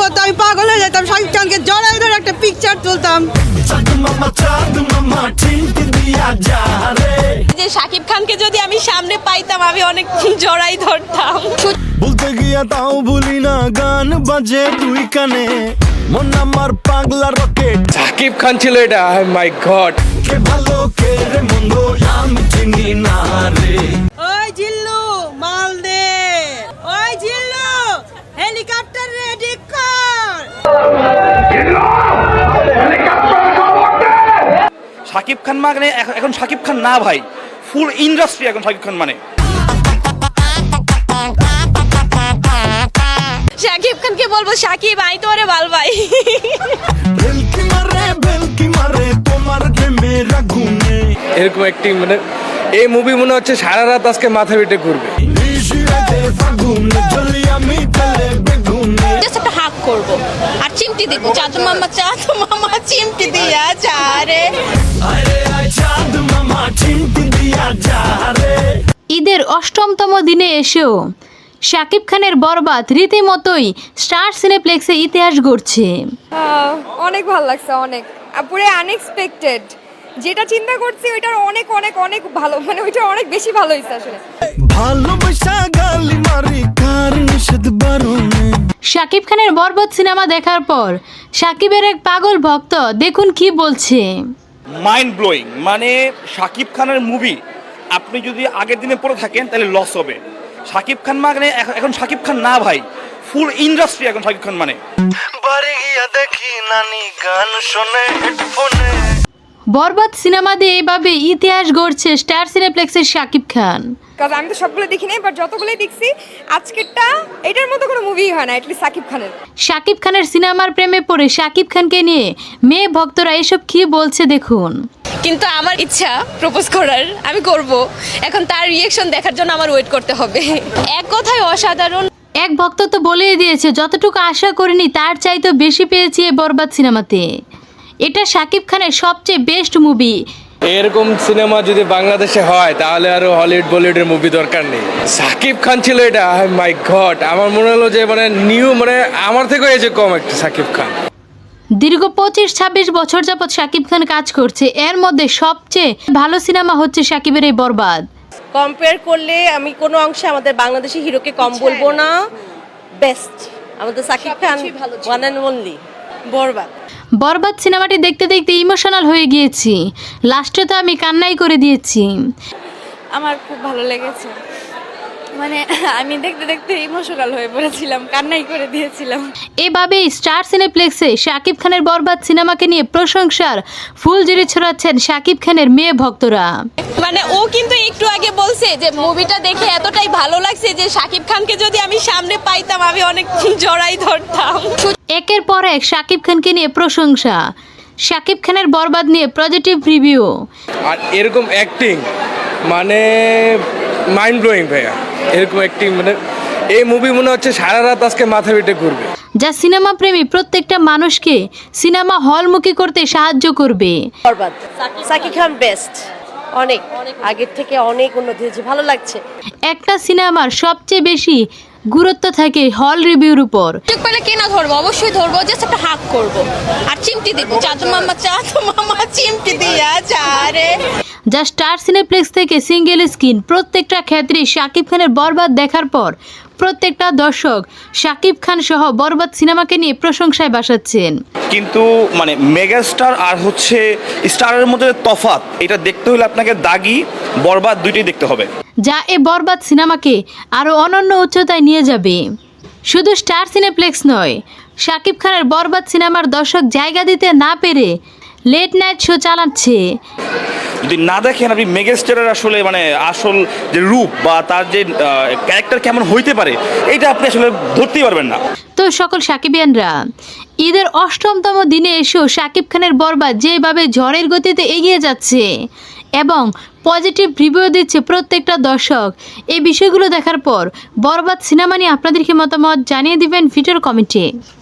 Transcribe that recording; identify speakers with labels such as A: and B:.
A: করতো, আমি পাগল হয়ে যেতাম, শাকিব খানকে জড়াই ধরে একটা পিকচার তুলতাম।
B: যে শাকিব খানকে যদি আমি সামনে পাইতাম আমি অনেক জড়াই ধরতাম।
C: বলতে গিয়া তাও ভুলি না, গান বাজে দুই কানে, মন আমার পাগলা রকেট।
D: শাকিব খান ছিল এটা, মাই গড।
C: কে ভালো কে রে মন্দ আমি চিনি না রে।
A: ওই জিল্লু মাল দে, ওই জিল্লু হেলিকপ্টার রেডি কর।
E: শাকিব খান মানে এখন শাকিব খান না ভাই, ফুল ইন্ডাস্ট্রি এখন শাকিব খান মানে।
B: শাকিব খানকে বলবো শাকিব আই তো ভাল ভাই।
C: বেলকি মারে তোমার প্রেমের আগুনে।
D: এরকম অ্যাক্টিং মানে এই মুভি মনে হচ্ছে সারা রাত আজকে মাথা পিটে ঘুরবে।
C: নিশিরাতে ফাগুনে জ্বলি আমি তেলে বেগুনে।
B: জাস্ট একটা হাক করব আর চিমটি দিব, চাঁদ মামা চিমটি দিয়া যা রে।
C: আরে আয় চাঁদ মামা চিমটি দিয়া যা রে।
F: ঈদের অষ্টমতম দিনে এসেও শাকিব খানের বরবাদ রীতিমতোই স্টার সিনেপ্লেক্সে ইতিহাস গড়ছে।
G: অনেক ভালো লাগছে, অনেক পুরো আনএক্সপেক্টেড। যেটা চিন্তা করছি ওইটার অনেক অনেক অনেক ভালো, মানে ওইটার অনেক বেশি ভালো হয়েছে আসলে।
C: ভালোবাসা গালি মারি কার নিষেধ বারণে।
F: শাকিব খানের বরবাদ সিনেমা দেখার পর শাকিবের এক পাগল ভক্ত দেখুন কি বলছে।
E: মাইন্ড ব্লোয়িং, মানে শাকিব খানের মুভি আপনি যদি আগের দিনে পড়ে থাকেন তাহলে লস হবে। শাকিব খান মানে এখন শাকিব খান না ভাই, ফুল ইন্ডাস্ট্রি এখন শাকিব খান মানে।
C: বাড়ি গিয়া দেখি নানি গান শোনে হেডফোনে।
F: বরবাদ সিনেমা দিয়ে এইভাবে ইতিহাস গড়ছে স্টার সিনেপ্লেক্সের শাকিব খান।
G: কারণ আমি তো সবগুলো দেখি নাই, বাট যতগুলোই দেখছি আজকেরটা এটার মতো কোনো মুভি হয় না, এটলিস্ট সাকিব খানের।
F: শাকিব খানের সিনেমার প্রেমে পড়ে শাকিব খানকে নিয়ে মেয়ে ভক্তরা এসব কি বলছে দেখুন।
B: কিন্তু আমার ইচ্ছা প্রপোজ করার, আমি করব। এখন তার রিঅ্যাকশন দেখার জন্য আমার ওয়েট করতে হবে। এক কথায় অসাধারণ।
F: এক ভক্ত তো বলেই দিয়েছে যতটুকু আশা করিনি তার চাইতে বেশি পেয়েছি এই বরবাদ সিনেমাতে। এটা শাকিব খানের সবচেয়ে বেস্ট মুভি।
D: এরকম সিনেমা যদি বাংলাদেশে হয় তাহলে আরো হলিউড বলিউডের মুভি দরকার নেই। শাকিব খান ছিল এটা, মাই গড। আমার মনে হলো যে মানে নিউ, মানে আমার থেকেও এজে কম একটা শাকিব খান।
F: দীর্ঘ 25-26 বছর যাবৎ শাকিব খান কাজ করছে, এর মধ্যে সবচেয়ে ভালো সিনেমা হচ্ছে শাকিবের এই বরবাদ।
H: কম্পেয়ার করলে আমি কোনো অংশে আমাদের বাংলাদেশি হিরোকে কম বলবো না। বেস্ট আমাদের Shakib Khan, one and only Borbaad.
F: Borbaad সিনেমাটি দেখতে দেখতে ইমোশনাল হয়ে গিয়েছি, লাস্টে তো আমি কান্নাই করে দিয়েছি।
G: আমার খুব ভালো লেগেছে, মানে আমি দেখতে দেখতে ইমোশনাল হয়ে পড়েছিলাম, কান্নাই করে দিয়েছিলাম।
F: এভাবেই স্টার সিনেপ্লেক্সে শাকিব খানের বরবাদ সিনেমাকে নিয়ে প্রশংসার ফুলঝুরি ছড়াচ্ছেন শাকিব খানের মেয়ে ভক্তরা।
B: মানে ও কিন্তু একটু আগে বলছে যে মুভিটা দেখে এতটাই ভালো লাগছে যে শাকিব খানকে যদি আমি সামনে পাইতাম আমি অনেক জড়াই ধরতাম।
F: একের পর এক শাকিব খানকে নিয়ে প্রশংসা, শাকিব খানের বরবাদ নিয়ে পজিটিভ রিভিউ।
D: আর এরকম অ্যাক্টিং মানে মাইন্ড ব্লোয়িং ভাইয়া। এরকম অ্যাক্টিং মানে এই মুভি মনে হচ্ছে সারা রাত আজকে মাথা পিটে ঘুরবে।
F: যা সিনেমা প্রেমী প্রত্যেকটা মানুষকে সিনেমা হলমুখী করতে সাহায্য করবে।
H: বরবাদ সাকিব খান বেস্ট, অনেক আগের থেকে অনেক উন্নতি হয়েছে, ভালো লাগছে।
F: একটা সিনেমার সবচেয়ে বেশি গুরুত্ব থাকে হল রিভিউর উপর।
B: সুযোগ পেলে কে না ধরবো, অবশ্যই ধরবো। জাস্ট একটা হাক করব আর চিমটি দিব, চাঁদ মামা চিমটি দিয়া যা রে।
F: যা স্টার সিনেপ্লেক্স থেকে সিঙ্গেল স্ক্রিন প্রত্যেকটা ক্ষেত্রে শাকিব খানের বরবাদ দেখার পর প্রত্যেকটা দর্শক শাকিব খান সহ বরবাদ সিনেমাকে নিয়ে প্রশংসায় ভাসাচ্ছেন।
E: কিন্তু মানে মেগাস্টার আর হচ্ছে স্টারের মধ্যে তফাৎ, এটা দেখতে হলে আপনাকে দাগি বরবাদ দুইটাই দেখতে হবে,
F: যা এই বরবাদ সিনেমাকে আরও অনন্য উচ্চতায় নিয়ে যাবে। শুধু স্টার সিনেপ্লেক্স নয়, শাকিব খানের বরবাদ সিনেমার দর্শক জায়গা দিতে না পেরে লেট নাইট শো চালাচ্ছে।
E: যদি না দেখেন আপনি মেগাস্টারের আসলে মানে আসল যে রূপ বা তার যে ক্যারেক্টার কেমন হইতে পারে এটা আপনি আসলে ধরতেই পারবেন না।
F: তো সকল শাকিবিয়ানরা, ঈদের অষ্টমতম দিনে এসেও শাকিব খানের বরবাদ যেভাবে ঝড়ের গতিতে এগিয়ে যাচ্ছে এবং পজিটিভ রিভিউ দিচ্ছে প্রত্যেকটা দর্শক, এই বিষয়গুলো দেখার পর বরবাদ সিনেমা নিয়ে আপনাদের কি মতামত জানিয়ে দিবেন ভিডিওর কমেন্টে।